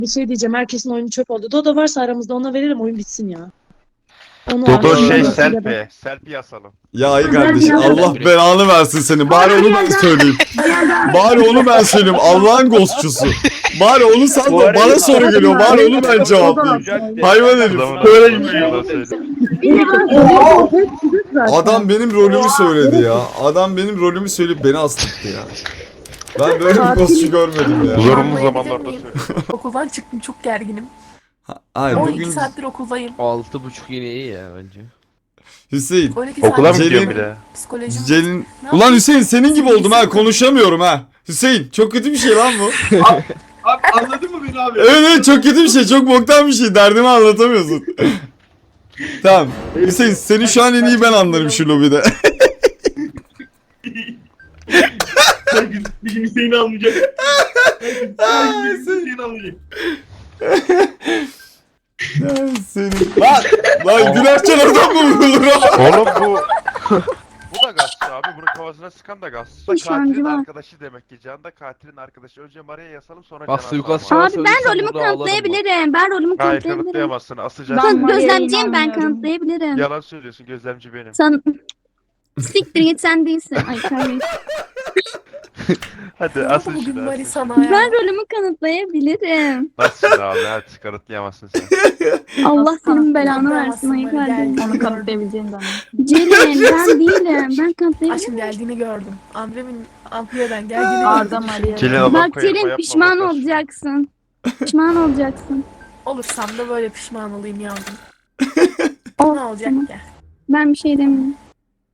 Bir şey diyeceğim. Herkesin oyunu çöp oldu. Dodo varsa aramızda ona verelim, oyun bitsin ya. Onu Dodo aramızda şey verelim. selfie asalım. Ya iyi kardeşim, Allah belanı versin seni. Bari onu ben söyleyeyim. Bari onu ben söyleyeyim. Allah'ın ghostçusu. Bari onu sal da bana soru geliyor. Bari onu ben cevaplayayım. Hayvan herif. Adam benim rolümü söyledi ya. Adam benim rolümü söyleyip beni astırdı ya. Ben böyle bir ghostçu görmedim ya. Zorunlu zamanlarda söylüyorum. Okuldan çıktım, çok gerginim. Hayır 12 bugün saattir okuldayım. 6.30 yine iyi ya bence. Hüseyin. 12 Okula mı saattir gidiyorsun bir de? psikolojim. Celin... Ne Ulan Hüseyin senin gibi oldum ha, konuşamıyorum ha. Hüseyin çok kötü bir şey lan bu. Abi anladın mı beni abi? Evet çok kötü bir şey, çok boktan bir şey, derdimi anlatamıyorsun. Tamam Hüseyin, seni şu an en iyi ben anlarım şu lobide. Bir gün Hüseyin'i almayacak. Hüseyin'i almayacak. Senin... Lan günahçı adam mı vurulur ha? Oğlum bu... Bu da gazçı abi. Bunun kafasına sıkan da gazçı. Bu şu an Katilin civan. arkadaşı demek ki. Can da katilin arkadaşı. Önce Maria'ya yasalım sonra Bak, Can'a suikast asalım. Abi ben rolümü kanıtlayabilirim. Ben rolümü Hayır kanıtlayabilirim. kanıtlayamazsın. Asacaksın. Ben Maria'ya gözlemciyim, ben inanmıyorum. kanıtlayabilirim. Yalan söylüyorsun. Gözlemci benim. Sen siktir git, sen değilsin. Ay kardeşim. Hadi Ne oldu asıl bugün şunu. Mari sana ya? Ben rolümü kanıtlayabilirim. Nasıl abi? Hadi kanıtlayamazsın sen. Allah senin belanı Kanıtlayamazsın versin. Ay Mari, kardeşim. gel. Onu kanıtlayabileceğini de anladım. Celil ben değilim. Ben Aşkım kanıtlayabilirim. geldiğini gördüm. Ambremin amfiyeden geldiğini Arda gördüm. Maria. Celil adam Bak koyarma, Celil yapma, pişman bakarsın. olacaksın. Pişman olacaksın. Olursam da böyle pişman olayım yavrum. Oh, Ne olacak tamam. ki? Ben bir şey demiyorum.